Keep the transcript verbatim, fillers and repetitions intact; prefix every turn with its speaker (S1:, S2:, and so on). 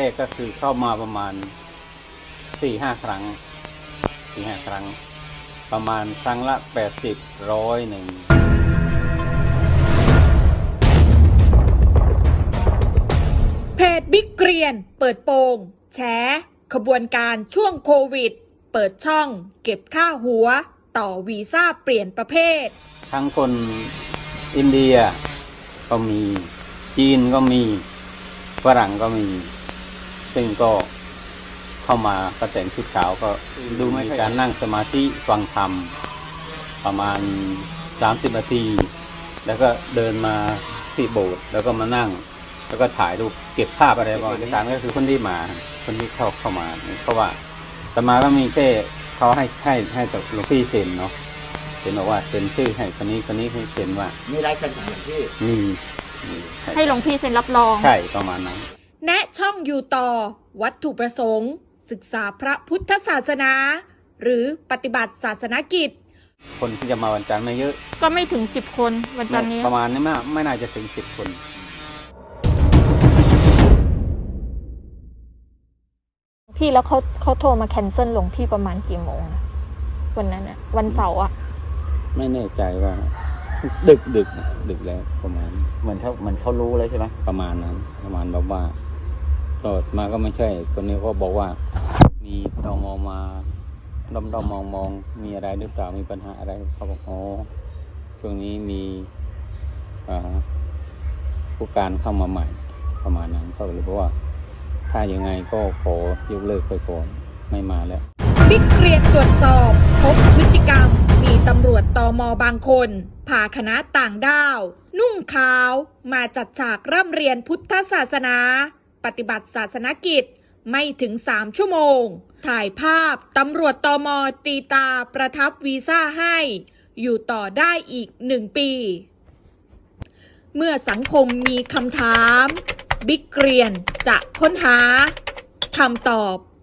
S1: กก็คือเข้ามาประมาณสี่ห้าครั้งสี่ห้าครั้งประมาณครั้งละแปดสิบร้อยหนึ่ง
S2: เพจบิ๊กเกรียนเปิดโปงแฉขบวนการช่วงโควิดเปิดช่องเก็บค่าหัวต่อวีซ่าเปลี่ยนประเภท
S1: ทั้งคนอินเดียก็มีจีนก็มีฝรั่งก็มีซึ่งก็เข้ามาก็แต่งชุดขาวก็ดูไม่การนั่งสมาธิฟังธรรมประมาณสามสิบนาทีแล้วก็เดินมาที่โบสถ์แล้วก็มานั่งแล้วก็ถ่ายรูปเก็บภาพอะไรบ้างในการก็คือคนที่มาคนที่เข้าเข้ามาเพราะว่าแต่มาก็มีแค่เขาให้ให้ให้แต่หลวงพี่เซ็นเนาะเซ็นบอกว่าเซ็นชื่อให้คนนี้คนนี้ให้เซ็นว่า
S3: มีลายเซ็นของหลวงพี่
S1: มี
S2: ให้หลวงพี่เซ็นรับรอง
S1: ใช่ประมาณนั้น
S2: แนะช่องอยู่ต่อวัตถุประสงค์ศึกษาพระพุทธศาสนาหรือปฏิบัติศาสนกิจ
S1: คนที่จะมาวันจันทร์ไม่เยอะ
S2: ก็ไม่ถึงสิบคนวันจันทร์นี้
S1: ประมาณนี้ไม่ไม่น่าจะถึงสิบคน
S2: พี่แล้วเขาเขาโทรมาแคนเซิลหลวงพี่ประมาณกี่โมงวันนั้นอะวันเสาร์อะ
S1: ไม่แน่ใจว่าดึกดึกดึกแล้วประมาณ
S3: เหมือนเขาเหมือนเขารู้เลยใช่ไหม
S1: ประมาณนั้นประมาณแบบว่าตอดมาก็ไม่ใช่คนนี้ก็บอกว่ามีตมมาดมดมมองมองมีอะไรหรือเปล่ามีปัญหาอะไรเขาบอกอ๋อช่วงนี้มีผู้การเข้ามาใหม่ประมาณนั้นเขาเลยบอกว่าถ้ายังไงก็ขอยกเลิกไปก่อนไม่มาแล้ว
S2: บิ๊กเกรียนตรวจสอบพบพฤติกรรมมีตำรวจตม.บางคนพาคณะต่างด้าวนุ่งขาวมาจัดฉากร่ำเรียนพุทธศาสนาปฏิบัติศาสนกิจไม่ถึงสามชั่วโมงถ่ายภาพตำรวจตม.ตีตาประทับวีซ่าให้อยู่ต่อได้อีกหนึ่งปีเมื่อสังคมมีคำถามบิ๊กเกรียนจะค้นหาคำตอบ